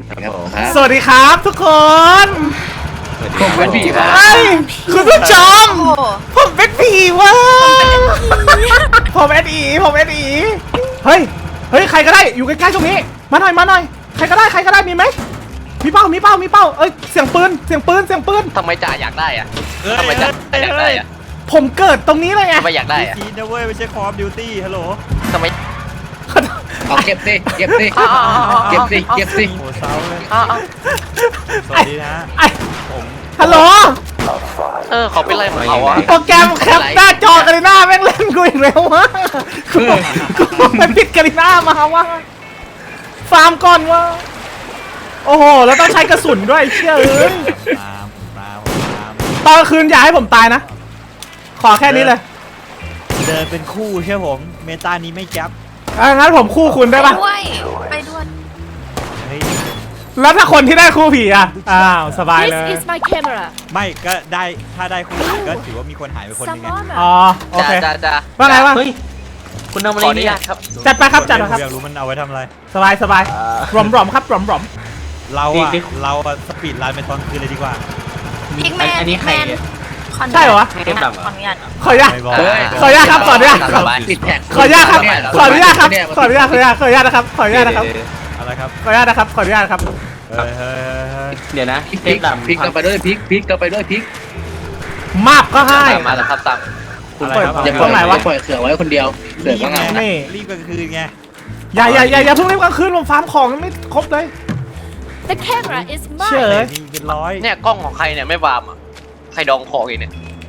สวัสดีครับทุกคนผมเป็นผีครับคุณผู้ชมผมเป็นผีว่ะผมเอ็ดอีเฮ้ยใครก็ได้อยู่ใกล้ๆตรงนี้มาหน่อยใครก็ได้มีไหมมีเป้าเอ้ยเสียงปืนทำไมจ่าอยากได้อะทำไมจ่าอยากได้อะผมเกิดตรงนี้เลยไงทำไมอยากได้อะจีนนะเว้ยไม่ใช่คอมดิวตี้ฮัลโหลทำไมเอาเก็บสิเก็บสิโอ้เศร้าเลยสวัสดีนะผมฮัลโหลเขาเป็นไรของเขาอะโปรแกรมแคปหน้าจอกาลิน่าแม่งเล่นกูอีกแล้ววะกูมันผิดกาลิน่ามาวะฟาร์มก่อนวะโอ้โหแล้วต้องใช้กระสุนด้วยเชื่อเอ้ยตามตอนคืนอย่าให้ผมตายนะขอแค่นี้เลยเดินเป็นคู่ใช่ผมเมตานี้ไม่แก๊ปงั้นผมคู่คุณได้ปะไปด้วยเฮ้ยแล้วถ้าคนที่ได้คู่ผีอ่ะอ้าวสบายเลย This is my camera ไม่ก็ได้ถ้าได้คู่ก็ถือว่ามีคนหายไปคนหนึงไง Some อ๋อโอเคจ่าว่าไงวะเฮ้ยคุณทำอะไรเนี่ยครับจัดไปครับผมอยากรู้มันเอาไว้ทำอะไรสบายรอมครับรอมเราอะสปีดรันไปตอนคืนเลยดีกว่าพิกแมนอันนี้ใครใช่เหรอวะขออนุญาตขออนุญาตไม่บอกขออนุญาตครับขออนุญาตติดแท็กขออนุญาตครับขออนุญาตนะครับขออนุญาตนะครับอะไรครับขออนุญาตนะครับเฮ้ยเดี๋ยวนะพริกกลับไปด้วยพริกกลับไปด้วยพริกมาบก็ให้มาแล้วครับตามอะไรครับอย่าปล่อยเสือไว้คนเดียวเสือก็เงานี่รีบกลางคืนไงอย่าเพิ่งรีบกลางคืนผมฟาร์มของไม่ครบเลย The camera is เชื่อ mine มีเป็นร้อยเนี่ยกล้องของใครเนี่ยไม่วามอ่ะใครดองของอีกเนี่ย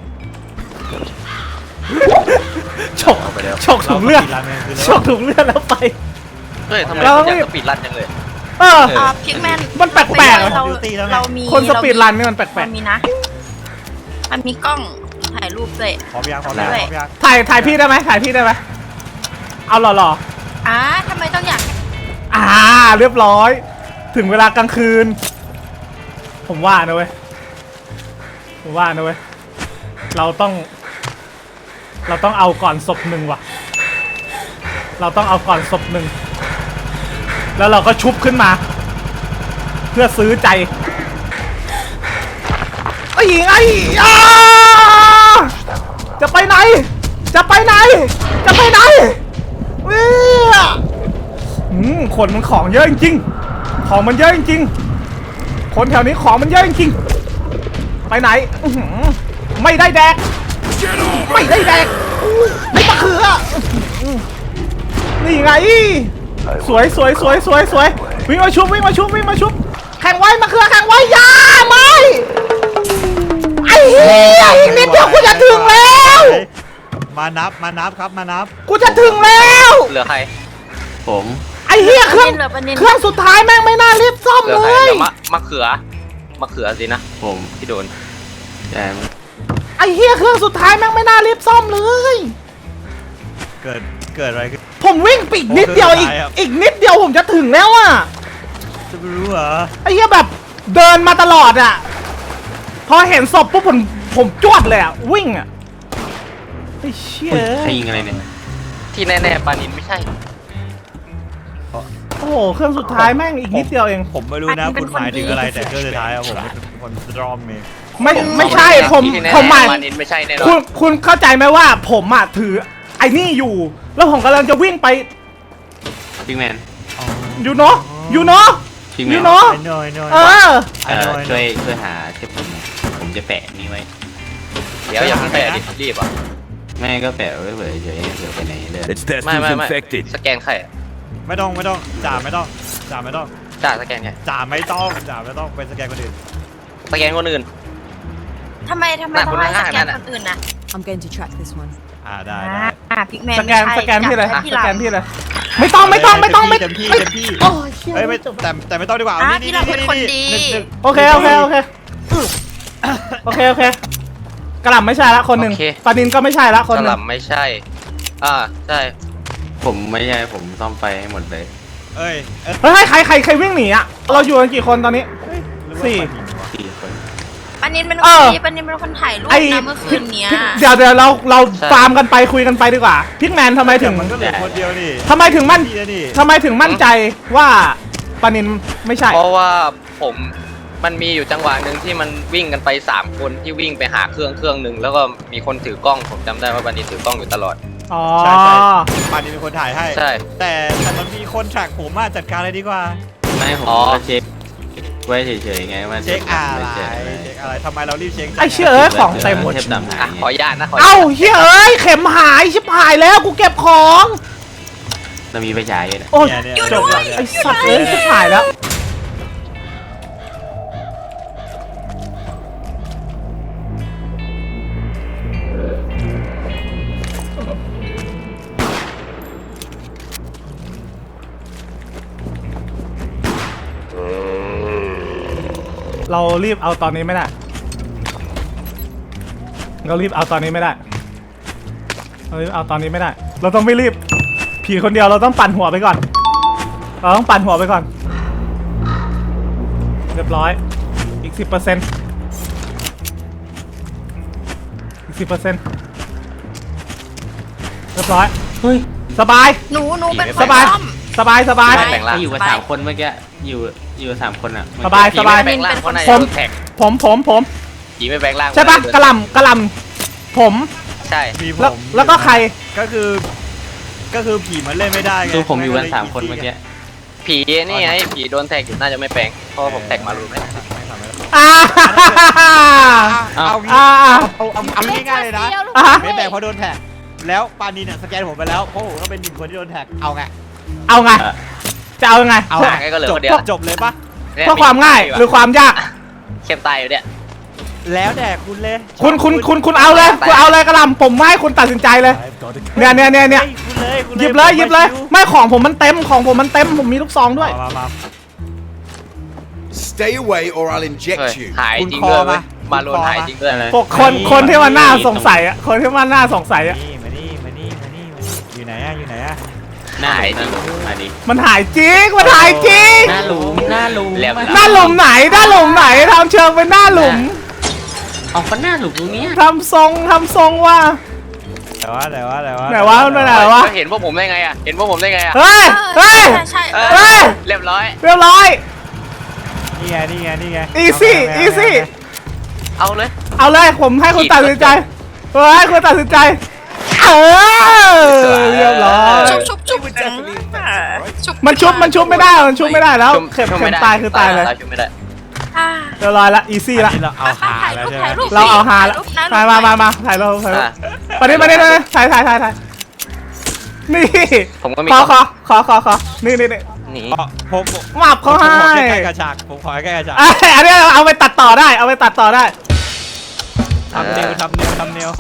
ฉกถุงเลือดแล้วไปเฮ้ยทำไมเราคุณอยากสปีดรันจังเลยพิกแมนมันแปลกๆเรามีคนสปีดรันนี่มันแปลกมันมีนะ มันมีกล้องถ่ายรูปด้วยพร้อมยังๆถ่ายพี่ได้ไหมเอาหล่อทำไมต้องอยากเรียบร้อย ถึงเวลากลางคืน ผมว่านะเว้ยเราต้องเอาก่อนศพหนึ่งว่ะเราต้องเอาก่อนศพหนึ่งแล้วเราก็ชุบขึ้นมา เพื่อซื้อใจไอ้จะไปไหนคนมันของเยอะจริงๆของมันเยอะจริงๆคนแถวนี้ของมันเยอะจริงๆไปไหนไม่ได้แดกไอ้มะเขือนี่ไงสวยวิ่งมาชุบแข่งไว้มะเขือแข่งไว้ยาไม่ไอ้เหี้ยอีกนิดเดียวกูจะถึงแล้วมานับครับมานับกูจะถึงแล้วเหลือใครผมไอ้เหี้ยเครื่องเหลือประเด็นเครื่องสุดท้ายแม่งไม่น่ารีบซ่อมเหลือเลใครยเดี๋ยวมะเขือสินะผมที่โดนแจมไอ้เหี้ยเครื่องสุดท้ายแม่งไม่น่ารีบซ่อมเลยเกิดอะไรขึ้นผมวิ่งไปอีกนิดเดียวอีกนิดเดียวผมจะถึงแล้วอ่ะจะไม่รู้เหรอไอ้เหี้ยแบบเดินมาตลอดอ่ะพอเห็นศพปุ๊บผมจวดเลยอ่ะวิ่งอ่ะไอ้เชี่ยใครยิงอะไรเนี่ยที่แน่ๆปานินไม่ใช่โอ้โหเครื่องสุดท้ายแม่งอีกนิดเดียวเองผมไม่รู้นะคุณหมายถึงอะไรแต่ก็สุดท้ายอะผมเป็นคนสตรอมเองไม่ใช่ผมที่แน่หมายๆปานินไม่ใช่แน่นอคุณนคุณเข้าใจไหมว่าผมอ่ะถือไอ้นี่อยู่ แล้วผมกำลังจะวิ่งไปพิกแมนยูโน่พิกแมยูนโน่ไอ้น้อยช่วยหาเทปผมจะแปะนี้ไว้เดี๋ยวอย่าเพิ่งแปะดิรีบอ่ะแม่ก็แปะไว้เผื่อเฉยไปไหนเลย It's testing ไม่ infected. สแกนใครอะไม่ต้องจ่าไม่ต้องจ่าสแกนไงจ่าไม่ต้องไปสแกนคนอื่นสแกนคนอื่นทำไมต้องให้สแกนคนอื่นนะ I'm going to track this one. ได้พิกแมนสแกนพี่เลยที่เราไม่ต้องเต็มที่โอ้ยเชี่ยเฮ้ยไม่แต่ไม่ต้องดีกว่าที่เราเป็นคนดีโอเคกระหล่ำไม่ใช่ละคนหนึ่งโอเคปานินก็ไม่ใช่ละคนกหระหนึ่งล่ำไม่ใช่ใช่ผมไม่ใช่ผมซ่อมไฟให้หมดเลยเอ้ยเฮ้ยใครวิ่งหนีอ่ะเราอยู่กันกี่คนตอนนี้ สี่ 4 คนปานินเป็นคนดีปานินเป็นคนถ่ายรูปนะเมื่อคืนเนี้ยเดี๋ยวเราฟาร์มกันไปคุยกันไปดีกว่าพิกแมนทำไมถึงมันก็เหลือคนเดียวนี่ทำไมถึงมั่นใจว่าปานินไม่ใช่เพราะว่ามันมีอยู่จังหวะหนึ่งที่มันวิ่งกันไป3คนที่วิ่งไปหาเครื่องหนึ่งแล้วก็มีคนถือกล้องผมจำได้ว่าบันนี้ถือกล้องอยู่ตลอดอ๋อใช่ปานินเป็นคนถ่ายให้ใช่แต่มันมีคนแทร็กผมมาจัดการเลยดีกว่าไม่ผมก็เช็คไว้เฉยๆไงว่าเช็คอะไรเช็คเช็คอะไรทำไมเรารีบเช็คไอ้เชี่ยเอ้ยของเต็มหมดเทปดำหายอ่ะขออนุญาตนะขออนุเอ้าญาตเฮียเอ้ยเข็มหายชิบหายแล้วกูเก็บของเรามีไปฉายอยู่นะโอ้ยเนี่ยจบละไอ้สัตว์เอ้ยชิบหายแล้ว เรารีบเอาตอนนี้ไม่ได้ เรารีบเอาตอนนี้ไม่ได้ เรารีบเอาตอนนี้ไม่ได้ เราต้องไม่รีบ ผีคนเดียวเราต้องปั่นหัวไปก่อน เราต้องปั่นหัวไปก่อน เรียบร้อย อีก 10%อีก 10%เรียบร้อยเฮ้ยสบายหนูเป็นคนสบายซ่อมสบาย สบายไม่แบ่งร่างก็อยู่กับ3 คนเมื่อกี้อยู่กับ3 คนอ่ะสบายผีไม่แบ่งร่างเพราะนายโดนแท็กผมผีไม่แบ่งร่างใช่ปะเพรากระนายโดนหลำกระหลำผมใช่มีผแล้วมแล้วก็ใครก็คือผีมันเล่นไม่ได้ไงคือผมอยู่กัน3 คนเมื่อกี้ผีนี่ไงผีโดนแท็กอยู่น่าจะไม่แปลงเพราะว่าผมแท็กมารู้ไหมอ่าเอางี้อ่าเอาง่ายๆเลยนะอ่าไม่แบ่งเพราะโดนแท็กแล้วปานีเนี่ยสแกนผมไปแล้วเพราะผมก็เป็น1 คนที่โดนแท็กเอาไงเอาไง จะเอายังไงเอาอ่ะงั้นก็เหลือคนเดียวจบเลยปะเนี่ยเพื่อความง่ายหรือความยากเข้มตายอยู่เนี่ยแล้วแต่คุณเลยคุณเอาเลยคุณเอาเลยกระหลำผมให้คุณตัดสินใจเลย เนี่ยฮ้คุณเลยคุณหยิบเลยหยิบเลย ไม่ของผมมันเต็มของผมมันเต็มผมมีลูกซองด้วยมา Stay away or I'll เฮ้ย inject you. หายคุณจริงคอด้วยเว้ยมามาโลนหายจริงด้วยอะไรพวกคนที่มันน่าสงสัยอ่ะคนที่มันน่าสงสัยอ่ะมานี่อยู่ไหนอะหน้าหลุมมาดิมันหายจริงมันหายจริงหน้าหลุมหน้าหลุมไหนทำเชิงเป็นหน้าหลุมเอาก็หน้าหลุมตรงเนี้ยทำทรงว่าแต่ว่าไหนวะมันไปไหนวะเห็นพวกผมได้ไงอ่ะเห็นพวกผมได้ไงอ่ะเฮ้ยเฮ้ยใช่เอเฮ้อย เรียบร้อยเรียบร้อยนี่ไง easy เอาเลยเอาเลยผมให้คุณตัดสินใจให้คุณตัดสินใจเรียบร้อยชุบชุบมันชุบไม่ได้แล้วเข็มตายคือตายเลยชุบไม่ได้เรียบร้อยละ easy ละนี่เราเอาหาแล้วใช่ไหมเราเอาหาละถ่ายมาถ่ายรูปไปดิถ่ายนี่ผมก็มีขอนี่หนีผมหมับเขาให้ขอใกล้กระชากผมขอใกล้กระชากอันนี้เอาไปตัดต่อได้ทำเนียว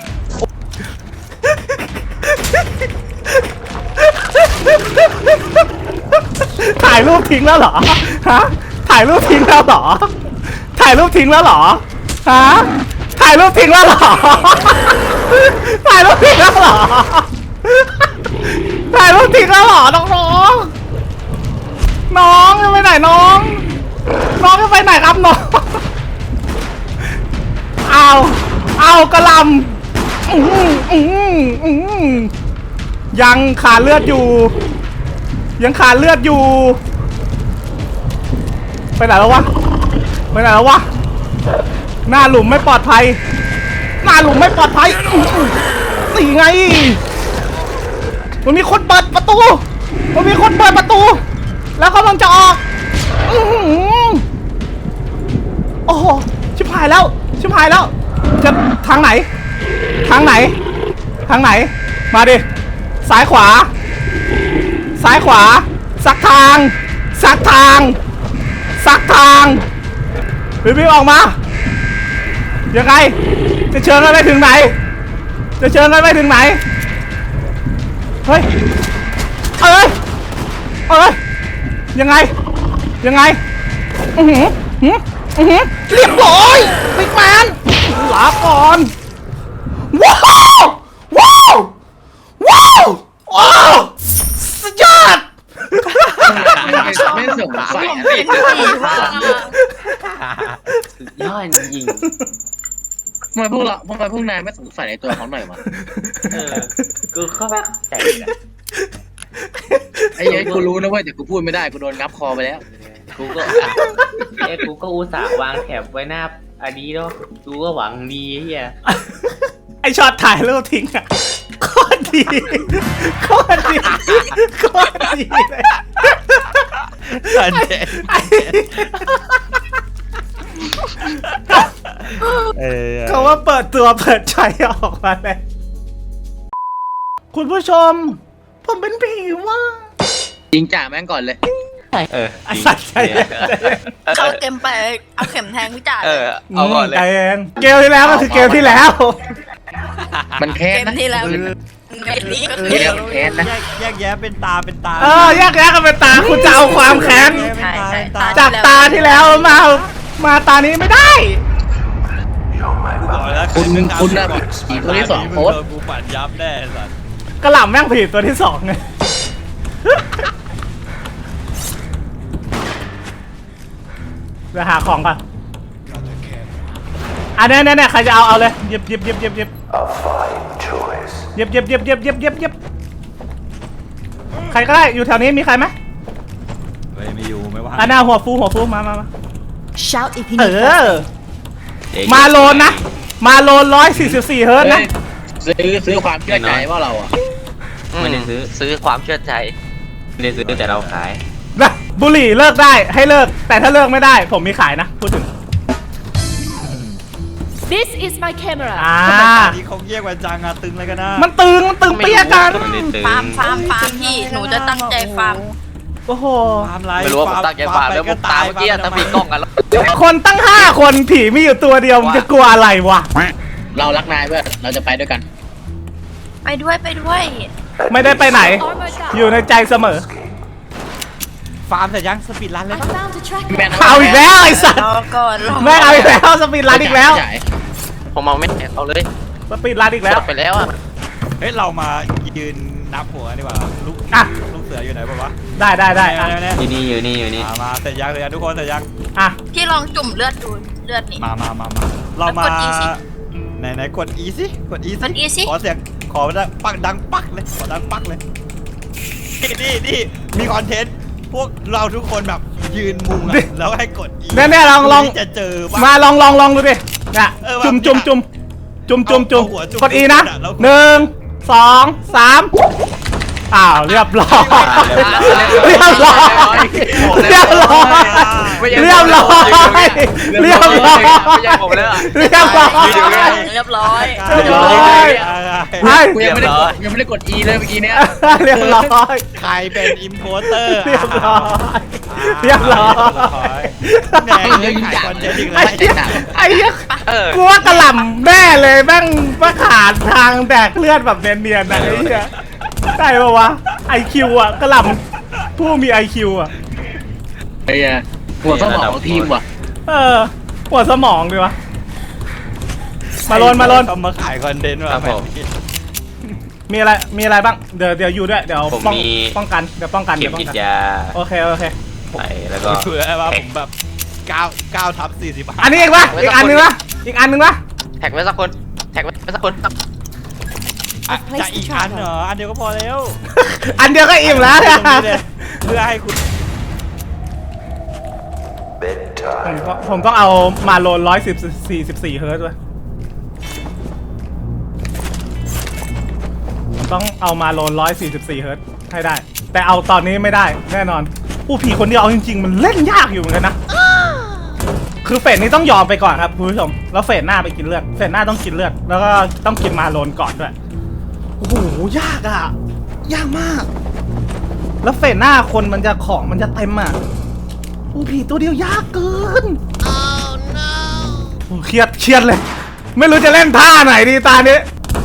ถ่ายรูปทิ้งแล้วเหรอฮะถ่ายรูปทิ้งแล้วเหรอฮะถ่ายรูปทิ้งแล้วเหรอถ่ายรูปทิ้งแล้วเหรอน้องจะไปไหนน้องจะไปไหนครับน้องเอากระลำยังขาดเลือดอยู่ไปไหนแล้ววะหน้าหลุมไม่ปลอดภัยนี่ไงมันมีคนเปิดประตูแล้วกำลังจะออกโอ้โหชิบหายแล้วจะทางไหนมาดิซ้ายขวาสักทางรีบออกมายังไงจะเชิญกันไปถึงไหนเฮ้ยยังไงเรียบร้อยบิ๊กแมนลาก่อนว้าวสุดยอดไม่สงสัยย่อยยิงทำไมพวกนายไม่สงสัยในตัวเขาหน่อยวะกูเข้าไปใจไอ้ยัยกูรู้นะเว้ยแต่กูพูดไม่ได้กูโดนงับคอไปแล้วกูก็กูก็อุตส่าห์วางแถบไว้หน้าอันนี้เนาะกูก็หวังดีเฮียไอช็อตถ่ายรูปทิ้งอะโคตรดีโคตรดีโคตรดีเลยอันเด็ดเขาว่าเปิดตัวเปิดใจออกมาเลยคุณผู้ชม ผมเป็นผีว่าจริงจ่าแม่งก่อนเลยไอสัตว์ใจเย็นเข้าเต็มไปเอาเข็มแทงพี่จ่าเอาก่อนเลยใจเย็นเกมที่แล้วก็คือเกมที่แล้วมันแค้เกนมนะที่แล้วเกมนี้ก็คือเดี๋ยวแค้นนะแยกแยะเป็นตาเป็นตาแยกกันเป็นตาคุณจะเอาความแค้นใช่ใช่จากตาที่แล้วมาตานี้ไม่ได้คุณน่ะผีตัวที่สองโพสต์กูปั่นยับแน่สัสกระหล่ำแม่งผีตัวที่สองไงเดี๋ยวหาของก่อนอันนี้ใครจะเอาเลยหยิบหยิบใครก็ได้อยู่แถวนี้มีใครไหมไม่อยู่ไม่ว่าอันน่าหัวฟูมา Shout if you เอ need อ มาโลนนะ มาโลน144เฮิร์ตซ์นะซื้อความเชื่อใจว่าเราอ่ะไม่ได้ซื้อความเชื่อใจไม่ได้ซื้อแต่เราขายนะบุหรี่เลิกได้ให้เลิก แต่ถ้าเลิกไม่ได้ ผมมีขายนะ พูดถึง This is my camera. ทำไมตอนนี้เขาเรียกว่าจังอะตึงเลยกันนะมันตึงเปี้ยกันไม่ได้ตึงฟาร์มพี่หนูจะตั้งใจฟาร์มโอ้โหความไรไม่รู้ว่าผมตั้งใจฟาร์มแล้วผมตามเมื่อกี้ถ้ามีกล้องกันแล้วคนตั้ง5 คนผีมีอยู่ตัวเดียวมันจะกลัวอะไรวะเรารักนายเพื่อนเราจะไปด้วยกันไปด้วยไม่ได้ไปไหน Armor down. อยู่ในใจเสมอฟาร์มแต่ยังสปีดรันเลย I ปะ found a tracker. แม่นะเอาอีกแล้วไอ้สัตว์รอก่อนรอแม่งเอาอีกแล้วสปีดรันอีกแล้วจ่ายผมเอาไม่เอาเลยสปีดรันอีกแล้วไปแล้วอ่ะเฮ้ยเรามายืนนับหัวดีกว่าลูกอ่ะลูกเสืออยู่ไหนบ้างวะได้ อ่ะเนี่ยอยู่นี่มาเสร็จยังเลยทุกคนเสร็จยังอ่ะพี่ลองจุ่มเลือดดูเลือดนี่มาเรามาแล้วกด E สิไหนกด E สิกด E กด E สิขอเสียงขอดังปักดังปักเลยขอดังปักเลยนี่มีคอนเทนต์พวกเราทุกคนแบบยืนมุงอะแล้วให้กด E เนี่ยลองจะเจอมาลองดูดิเนี่ยจุ่มกดอีนะ1 2 3อ้าวเรียบร้อยเรียบร้อยเรียบร้อยไม่ใช่เรียบร้อยเรียบร้อยไม่ใช่ผมเลยอ่ะเรียบร้อยเรียบร้อยให้กูยังไม่ได้กด E เลยเมื่อกี้เนี้ยเรียบร้อยใครเป็นอิมโพสเตอร์เรียบร้อยเรียบร้อยแหน่ยังขายคอนเทนต์อีกแล้ไอ้วเหี้ยเออกูว่ากระหล่ำแน่เลยแม่งมาขาดทางแดกเลือดแบบเนียนๆนะไอ้เหี้ยได้ปะวะ IQ อ่ะกระหล่ำผู้มี IQ อ่ะไอ้เหี้ยหัวสมองของทีมว่ะหัวสมองดีวะมาโลนเขามาขายคอนเทนต์ว่ะครับผมมีอะไรบ้างเดี๋ยวอยู่ด้วยเดี๋ยวผมมีป้องกันเดี๋ยวป้องกันเข็มป้องฉีดกันยาโอเคไปแล้วก็เผื่อว่าผมแบบ9ทับ40 อันนี้อีกปะอีกอันนึงปะแท็กไว้สักคนจะอีกอันเหรออันเดียวก็พอแล้วอันเดียวก็อิ่มแล้วเนี่ยเพื่อให้คุณผมต้องเอามาโลน144เฮิร์ตซ์ด้วยต้องเอามาโลน144เฮิร์ตซ์ให้ได้ แต่เอาตอนนี้ไม่ได้แน่นอนผู้ผีคนเดียวเอาจริงๆมันเล่นยากอยู่เหมือนกันนะคือเฟสนี้ต้องยอมไปก่อนครับคุณผู้ชมแล้วเฟสหน้าไปกินเลือดเฟสหน้าต้องกินเลือดแล้วก็ต้องกินมาโลนก่อนด้วยโอ้โหยากอ่ะยากมาก แล้วเฟสหน้าคนมันจะของมันจะเต็มอ่ะผู้ผีตัวเดียวยากเกินโอ้เครียดเลย ไม่รู้จะเล่นท่าไหนดีตานี้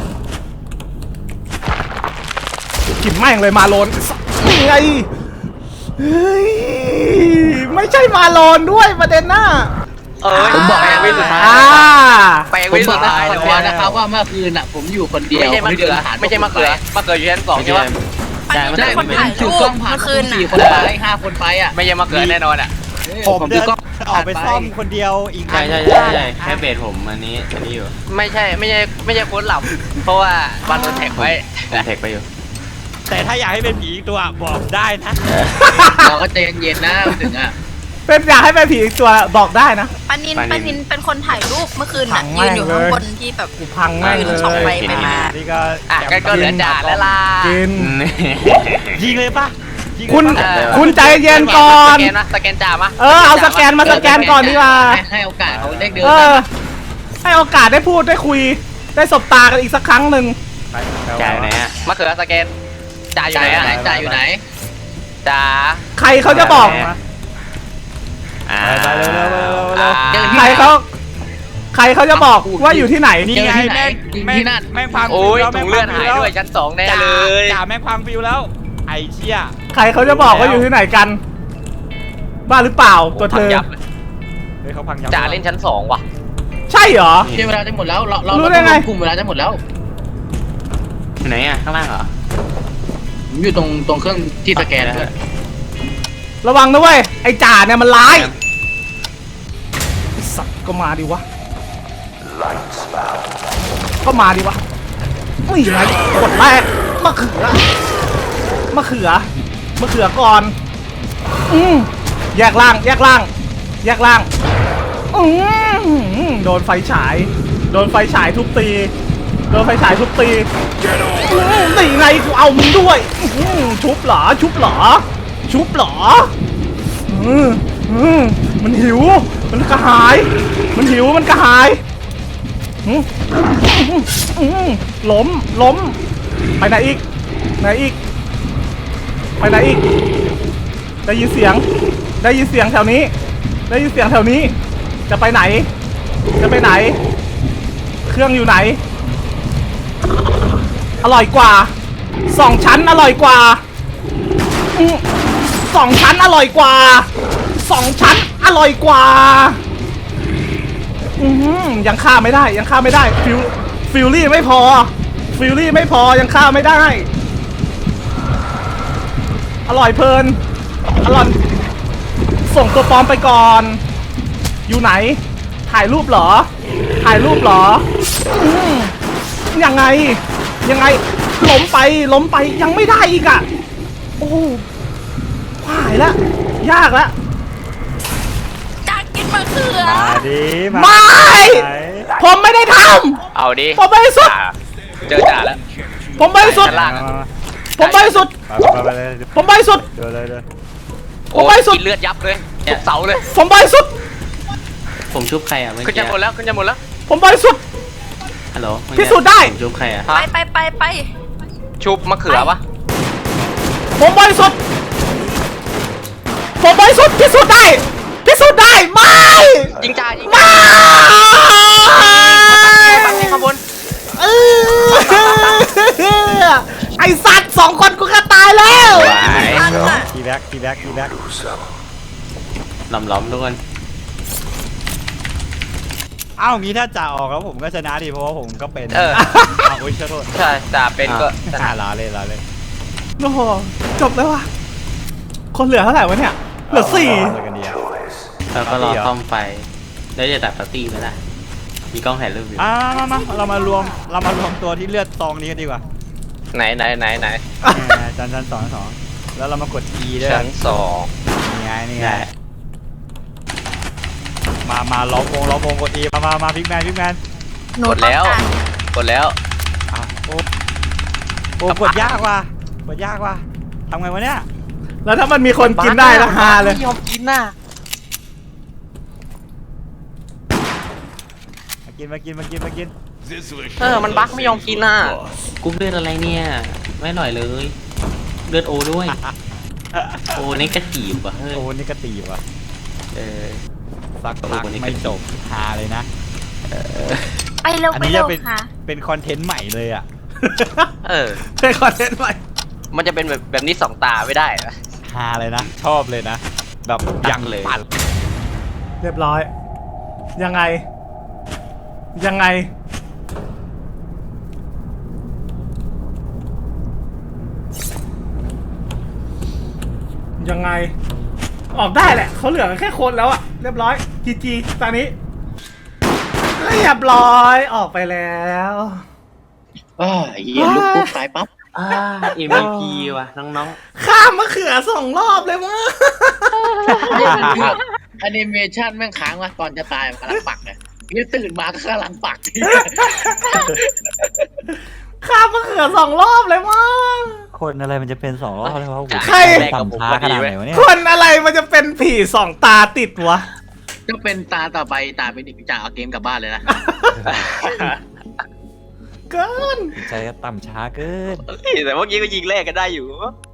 กินแม่งเลยมาโลนนี่ไงเฮ้ยไม่ใช่มาโลนด้วยประเด็นหน้าผมบอกแล้วไปสุดท้าย ไปผมวิบสุอกดท้ายแล้วนะครับว่าเมื่อคืนอ่ะผมอยู่คนเดียวไม่ใช่มะเขืออยู่ชั้น2ใช่ไหมอันนี้ใช่เป็นคมันนถ่ายถืรูอกล้อปงผ่านเมื่อคืน 4 คนไป5 คนไปอ่ะไม่ใช่มะเขือแน่นอนอ่ะผมเดินออกไปซ่อมคนเดียวอีกใช่แค่เบสผมอันนี้อยู่ไม่ใช่โค้ดหลับเพราะว่าบันโดนแท็กไว้แท็กไปอยู่แต่ถ้าอยากให้เป็นผีอีกตัวบอกได้นะเราก็ใจเย็นๆนะถึงอ่ะเป็นอยากให้เป็นผีอีกตัวบอกได้นะปานินเป็นคนถ่ายรูปเมื่อคืนพัน่ะงยืนอยู่แม่งเลยข้างบนที่แบบกูพังแม่งเลยส่องไปมานี่ก็อ่ะก็เหลือจ่าแล้วล่ะกินยิงเลยปะยิงเลยปะคุณเออคุณใจเย็นก่อนสแกนนะสแกนจ่ามาเอาสแกนมาสแกนก่อนดีกว่าให้โอกาสเขาได้เดินเออ ให้โอกาสได้พูดได้คุย ได้สบตากันอีกสักครั้งหนึ่งจ่ายไหนอ่ะมะเขือสแกนจ่าอยู่จ่ายไหนอยู่ไหนอะจ่ายอยู่ไหนจ่าใครเขาจะบอกอ่าไปเร็วเร็วเร็วเร็วเจอใครเขาจะบอกว่าอยู่ที่ไหนนี่ไงแม่งแม่งพังโอ้ฟิวย แล้วถุแม่งงเลืพัอดงหายฟิวด้วยแล้วชั้น 2แน่จ่าเลยจ่าแม่งพังฟิวแล้ว ไอ้เชี่ยใครเขาจะบอกว่าอยู่ที่ไหนกัน บ้าหรือเปล่าตัวเธอยับเลยเฮ้ยเขาพังยับจ่าเล่นชั้น 2ว่ะใช่เหรอเชื่อเวลาจะหมดแล้วเรารู้ได้ไงกลุ่มเวลาจะหมดแล้วไหนอ่ะข้างล่างเหรอผมอยู่ตรงเครื่องที่สแกนเพื่อนระวังนะเว้ย ไอ้จ่าเนี่ยมันร้ายไอ้สัตว์ก็มาดิวะ ก็มาดิวะนี่ไงกดแรกมะเขือก่อน แยกล่างโดนไฟฉายทุบตีนี่ไงกูเอามึงด้วยชุบเหรอมันหิวมันกระหายล้มไปไหนอีกได้ยินเสียงแถวนี้จะไปไหนเครื่องอยู่ไหนอร่อยกว่า2 ชั้นอร่อยกว่า2 ชั้นอร่อยกว่ายังฆ่าไม่ได้ฟิลลี่ไม่พอยังฆ่าไม่ได้อร่อยเพลินส่งตัวปลอมไปก่อนอยู่ไหนถ่ายรูปเหรอยังไงล้มไปยังไม่ได้อีกอ่ะโอ้หายแล้วยากแล้วจากกินมะเขือมาดิไม่ ผมไม่ได้ทเอาดิำผมบริสุทธิ์เจอจ่าแล้วผมบริสุทธิ์ชั้นล่างอะผมบริสุทธิ์ไปเลยผมบริสุทธิ์เดินเลยเดินโอ้ผมบริสุทธิ์กินเลือดยับเลยทุกเสาเลยผมบริสุทธิ์ผมชุบใครอ่ะเมื่อขึ้นกี้จะหมดแล้วผมบริสุทธิ์ฮัลโหลเมื่อพิกี้สูจน์ได้ผมชุบใครอ่ะไปชุบมะเขือปะผมบริสุทธิ์พิสูจน์ได้ไม่ยิงจ่ายิงไม่ปักนี่ข้างบนไอสัตว์2 คนกูก็ตายแล้วทันอ่ะทีแบ็กล้อมๆทุกคนอ้าวงี้ถ้าจ่าออกแล้วผมก็ชนะดิเพราะว่าผมก็เป็นเอออ้าวโอ้ยขอโทษใช่จ่าเป็นก็ชนะลาเลยโอ้โหจบแล้ววะคนเหลือเท่าไหร่วะเนี่ยเหลือเลยกันดีอะแล้วก็รอปาร์ตี้เหรอซ่อมไฟ แล้วจะตัดปาร์ตี้ไหมล่ะ มีกล้องถ่ายรูปอยู่มาเรามารวมตัวที่เลือดซองนี้กันดีกว่าไหนชั้นสองแล้วเรามากด E ด้วยชั้นนี่ไงได้มาล้อมวงกด E มาพิกแมนหนูกดแล้วต้องการ 2กดแล้วอ้าวโอ้กดยากว่ะทำไงวะเนี่ยแล้วถ้ามันมีคนกินได้ละฮาเลยไม่ยอมกินน่ะมากินมันบั๊กไม่ยอมกินน่ะกรุ๊ปเลือดอะไรเนี่ย ไม่อร่อยเลย เลือดโอด้วย โอนี่กระจีบว่ะเฮ้ยโอ้นี่ก็ตีว่ะเออสักพักไม่จบฮาเลยนะไปเร็วอันไปนี้เร็จะวเป็นค่ะเป็นคอนเทนต์ใหม่เลยอ่ะเออเคยคอนเทนต์ใหม่มันจะเป็นแบบนี้2 ตาไม่ได้นะฮาเลยนะ ชอบเลยนะ แบบยังปั่นเรียบร้อย ยังไง ยังไงออกได้แหละเขาเหลือแค่คนแล้วอะเรียบร้อยจีตอนนี้เรียบร้อยออกไปแล้วเหี้ยลุกปุ๊บตายปั๊บ MVP ว่ะน้องข้ามมะเขือ2 รอบเลยมั้งนี่มันคือแอนิเมชันแม่งค้างว่ะตอนจะตายมันกำลังปักเลยนี่ตื่นมาก็กำลังปักข้ามมะเขือ2 รอบเลยมั้งคนอะไรมันจะเป็น2 รอบแล้ววะใครต่ำช้าขนาดไหนวะเนี่ยคนอะไรมันจะเป็นผี2 ตาติดวะก็เป็นตาต่อไปตาเป็นอีกจ่าเอาเกมกลับบ้านเลยนะเกินใจก็ต่ำช้าเกินแต่เมื่อกี้ก็ยิงแรกกันได้อยู่